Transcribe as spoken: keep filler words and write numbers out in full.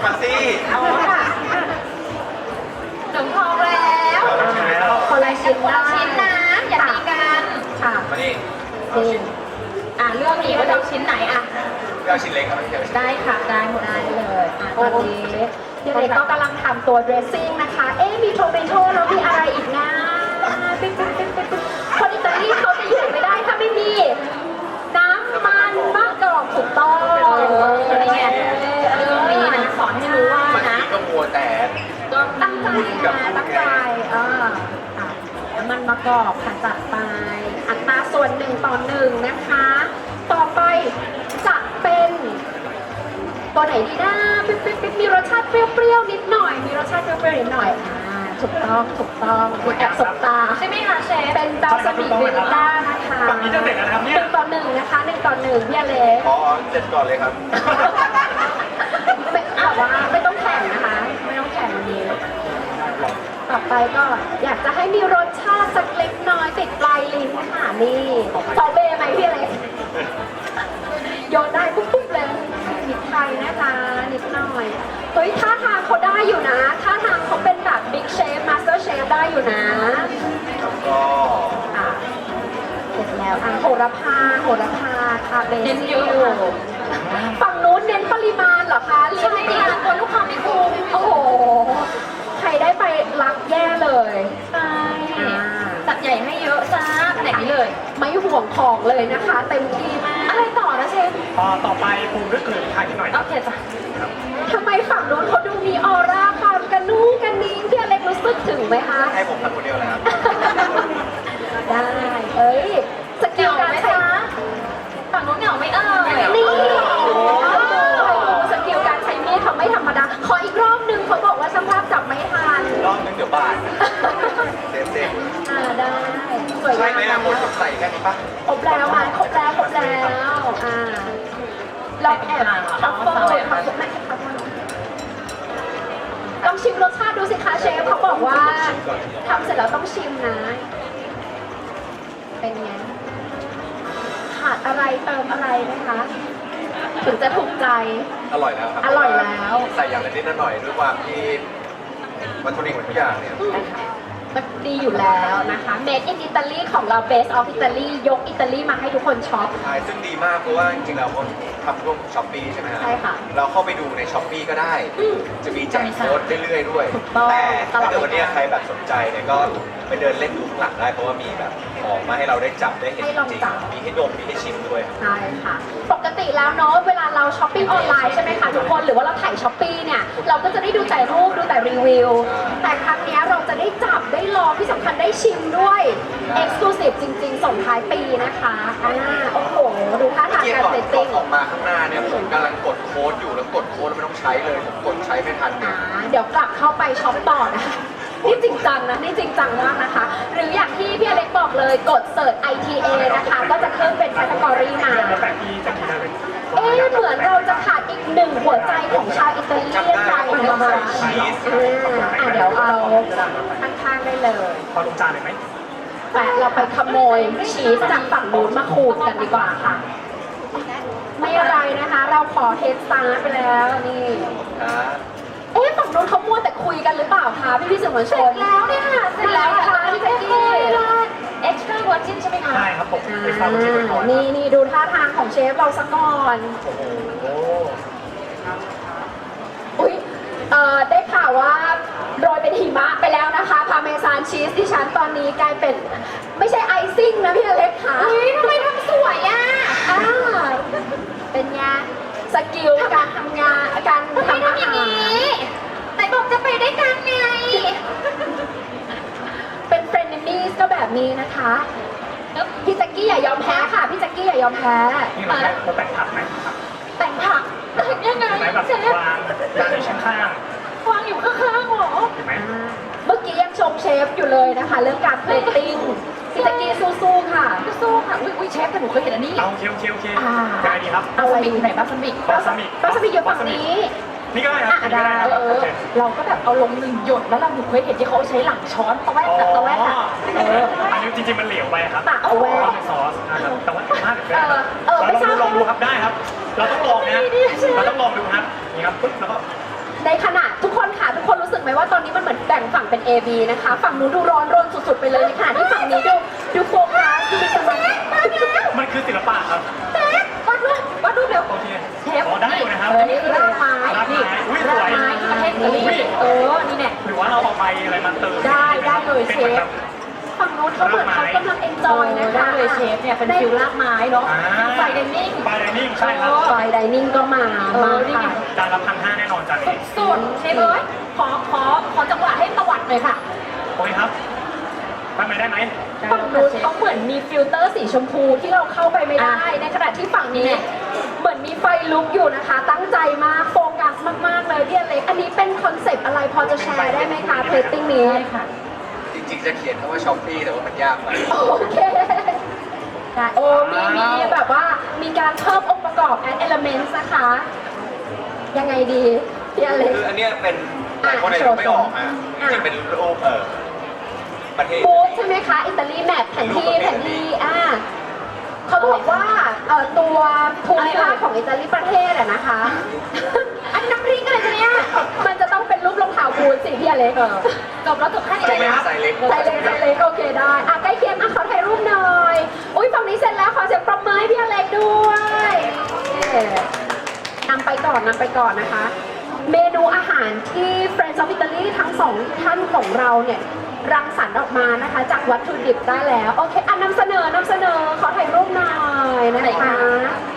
มาสิเอาค่ะหนูพอแล้วคนละชิ้นได้ชิ้นนะอย่าตีกันค่ะมาดิจริงอ่ะเลือกอีกว่าจะชิ้นไหนอ่ะเอาชิ้นเล็กครับได้ค่ะได้หมดได้เลยอ่ะตอนนี้พี่เล็กก็กำลังทำตัว dressing นะคะเอ๊ะมีโทเมโต้แล้วมีอะไรอีกนะปิ๊บปิ๊บปิ๊บปิ๊บคนอิตาลีเขาจะอยู่ไม่ได้ถ้าไม่มีน้ำมันมะกอกถูกต้องอะไรเงี้ยเรื่องนี้นะสอนให้รู้ว่านะก็มัวแต่ก็ตั้งใจนะตั้งใจอ่าน้ำมันมะกอกค่ะจัดไปอัตราส่วนหนึ่งต่อหนึ่งนะคะต่อไปจะเป็นตัวไหนดีนะปิ๊บปิ๊บปิ๊บมีรสชาติเปรี้ยวๆนิดหน่อยมีรสชาติเปรี้ยวๆนิดหน่อยอ่าถูกต้องถูกต้องมีแอบสบตาใช่ไหมคะเชฟเป็นบาสมิกเวนิต้านะคะฝั่งนี้จะเสร็จแล้วนะครับเนี่ยหนึ่งต่อหนึ่งนะคะหนึ่งต่อหนึ่งพี่อเล็กอ๋อเสร็จก่อนเลยครับไม่ถามว่าไม่ต้องแข่งนะคะไม่ต้องแข่งวันนี้ต่อไปก็อยากจะให้มีรสชาติสักเล็กน้อยติดปลายลิ้นค่ะนี่ซอเบ้ไหมพี่อเล็กโยนได้ปุ๊บๆเลยนิดไทยนะคะนิดหน่อยเฮ้ยท่าทางเขาได้อยู่นะท่าทางเขาเป็นแบบบิ๊กเชฟมาสเตอร์เชฟได้อยู่นะแล้วก็อ่ะเสร็จแล้วอ่ะโหระพาโหระพาคาเบซิลฝั่งนู้นเน้นปริมาณเหรอคะใช่ค่ะตัวลูกค้าไม่คุ้มโอ้โหใครได้ไปรักแย่เลยใช่จัดใหญ่ให้เยอะจ้าขนาดนี้เลยไม่ห่วงของเลยนะคะเต็มที่มากอะไรต่อนะเชฟต่อต่อไปปรุงด้วยเกลือพริกไทยนิดหน่อยโอเคจ้ะทำไมฝั่งนู้นเขาดูมีออร่าความกระนุ่งกระนิ่งที่อเล็กรู้สึกถึงไหมคะให้ผมทำคนเดียวเลยครับได้เอ้ยสกิลการใช้ฝั่งนู้นเหงาไม่เอ่ยนี่สกิลการใช้มีดเขาไม่ธรรมดาขออีกรอบนึงเขาบอกว่าช่างภาพจับไม่ทันรอบนึงเดี๋ยวบาดเซฟเซฟอ่าได้สวยงามใช่ไหมนะผมใส่แค่นี้ปะครบแล้วอ่ะครบแล้วครบแล้วอ่าเราแอบทัฟเฟิลทัฟเฟิลลองชิมรสชาติดูสิคะเชฟเขาบอกว่าทำเสร็จแล้วต้องชิมนะเป็นไงขาดอะไรเติมอะไรไหมคะถึงจะถูกใจอร่อยแล้วครับอร่อยแล้วใส่อย่างละนิดหน่อยด้วยความที่วัตถุดิบทุกอย่างเนี่ยมันดีอยู่แล้วนะคะ Made in Italy ของเรา Base of Italy ยกอิตาลีมาให้ทุกคนช็อปใช่ซึ่งดีมากเพราะว่าจริงๆเราทำร่วมช้อปปี้ใช่ไหมครับใช่ค่ะเราเข้าไปดูในช้อปปี้ก็ได้จะมีแจกโค้ดเรื่อยๆด้วยแต่ถ้าเกิดวันนี้ใครแบบสนใจเนี่ยก็ไปเดินเล่นดูข้างหลังได้เพราะว่ามีแบบของมาให้เราได้จับได้เห็นจริงมีให้ดมมีให้ชิมด้วยใช่ค่ะปกติแล้วเนาะเวลาเราช้อปปิ้งออนไลน์ใช่ไหมคะทุกคนหรือว่าเราถ่ายช้อปปี้เนี่ยเราก็จะได้ดูแต่รูปดูแต่รีวิวแต่ครั้งนี้เราจะได้จับได้ลองที่สำคัญได้ชิมด้วย Exclusive จริงๆส่งท้ายปีนะคะอ่าโอ้โหดูท่าทางการเซตติ้งออกมาข้างหน้าเนี่ยผมกำลังกดโค้ดอยู่แล้วกดโค้ดไม่ต้องใช้เลยผมกดใช้ไม่ทันอ่าเดี๋ยวกลับเข้าไปช็อปต่อนะคะนี่จริงจังนะนี่จริงจังมากนะคะหรืออย่างที่พี่อเล็กบอกเลยกดเสิร์ช ไอ ที เอ นะคะก็จะขึ้นเป็นแคตตากรีมาเอ๊ะเหมือนเราจะขาดอีกหนึ่งหัวใจของชาวอิตาเลียนไปนะคะอ่าเดี๋ยวเอาข้างๆได้เลยพอลงจานเลยไหมแต่เราไปขโมยชีสจากฝั่งนู้นมาขูดกันดีกว่าค่ะไม่อะไรนะคะเราขอเฮดสตาร์ทไปแล้วนี่เอ๊ะฝั่งนู้นเขามัวแต่คุยกันหรือเปล่าคะพี่พี่สื่อมวลชนแล้วเนี่ยเสร็จแล้วค่ะพี่แจ๊กกี้เอ็กซ์ตร้าเวอร์จินใช่ไหมคะใช่ครับผมเอ็กซ์ตร้าเวอร์จินไว้ก่อนนี่นี่ดูท่าทางของเชฟเราสักก่อนโอ้โหอุ้ยเอ่อได้ข่าวว่าโรยเป็นหิมะไปแล้วนะคะพาเมซานชีสที่ฉันตอนนี้กลายเป็นไม่ใช่ไอซิ่งนะพี่อเล็กค่ะเฮ้ยทำไมทำสวยอ่ะอ่าเป็นไงสกิลการทำงานการทำอาหารแต่บอกจะไปได้กันไงเป็นเฟรนด์นี่ก็แบบนี้นะคะพี่แจ็กกี้อย่ายอมแพ้ค่ะพี่แจ็กกี้อย่ายอมแพ้นี่เราเราแต่งผักไหมแต่งผักยังไงแบบวางวางในชั้นข้างวางอยู่ข้างๆหรอเห็นไหมเมื่อกี้ยังชมเชฟอยู่เลยนะคะเรื่องการเพลตติ้งพี่แจ็กกี้สู้ๆค่ะสู้ๆค่ะอุ้ยอุ้ยเชฟแต่หนูเคยเห็นอันนี้เอาโอเคโอเคโอเคยังไงดีครับเอาอะไรไหนบาสมิกบาสมิกบาสมิกอยู่ฝั่งนี้นี่ก็ได้ครับได้เออเราก็แบบเอาลงหนึ่งหยดแล้วเราหนูเคยเห็นที่เขาใช้หลังช้อนตะแวกตะแวกอ่ะเอออันนี้จริงๆมันเหลวไปครับตักเอาแวกซอสแต่ว่าแต่มากเลยเออไม่ทราบลองดูครับได้ครับเราต้องลองนะเราต้องลองดูครับนี่ครับปึ๊บแล้วก็นในขณะทุกคนค่ะทุกคนรู้สึกไหมว่าตอนนี้มันเหมือนแบ่งฝั่งเป็น A B นะคะฝั่งนู้นดูร้อนรนสุดๆไปเลยในขณะที่ฝั่งนี้ดูดูโฟกัสดูมีกำลังมาแล้วมันคือศิลปะครับเชฟวาดรูปวาดรูปเร็วโอเคเชฟอ๋อได้อยู่นะครับเออนี่คือรากไม้รากไม้นี่อุ๊ยสรากวยไม้ที่ประเทศอิตาลีอุ๊ยเออนี่แน่หรือว่าเราเอาใบอะไรมาเติมได้ได้เลยเชฟป็นหมือนแบบฝั่งนู้นเขาเหมือนเขากำลังเอนจอยนะคะได้เลยเชฟเนี่ยเป็นฟิลลากไม้เนาะอ่าไฟเดนนิ่งไฟไดนิ่งใช่ครับไฟไดนิ่งก็มาเออมานี่ไงค่ะจานละพันห้าแน่นอนจานนี้สุดเชฟเอ้ยขอขอขอจังหวะให้ตวัดหน่อยค่ะโอเคครับทำไมได้ไหมฝั่งนู้นเขาเหมือนมีฟิลเตอร์สีชมพูที่เราเข้าไปไม่ได้ ในขณะที่ฝั่งนี้เหมือนมีไฟลุกอยู่นะคะ ตั้งใจมากโฟกัสมากๆเลยพี่อเล็กอันนี้เป็นคอนเซปต์อะไรพอจะแชร์ได้ไหมคะเพลตติ้งนี้ได้ค่ะจริงๆจะเขียนคำว่าช้อปปี้แต่ว่ามันยากไปโอเคโอ้มีมีแบบว่ามีการเพิ่มองค์ประกอบ add elements นะคะ ยังไงดีพี่อเล็กคืออันเนี้ยเป็นหลายคนอาจจะไม่ออกอ่ะจริงๆเป็นรูปเออประเทศบูธใช่ไหมคะอิตาลีแมปแผนที่แผนที่อ่าเขาบอกว่าเอ่อตัวภูมิภาคของอิตาลีประเทศอะนะคะ อันน้ำพริกอะไรคะเนี่ยมันจะต้องเป็นรูปรองเท้าบูธสิพี่อเล็กเออจบแล้วจบแค่นี้ใช่เลยไหมนะไซส์เล็กใส่เล็กใส่เล็กโอเคได้อ่ะใกล้เคียงอ่ะขอถ่ายรูปหน่อย อุ้ยฝั่งนี้เสร็จแล้วขอเสียงปรบมือให้พี่อเล็กด้วยนำไปก่อนนำไปก่อนนะคะ เมนูอาหารที่ Friends of Italy ทั้งสองท่านของเราเนี่ยรังสรรค์ออกมานะคะ จากวัตถุดิบได้แล้ว โอเคอ่ะนำเสนอนำเสนอขอถ่ายรูปหน่อยนะคะ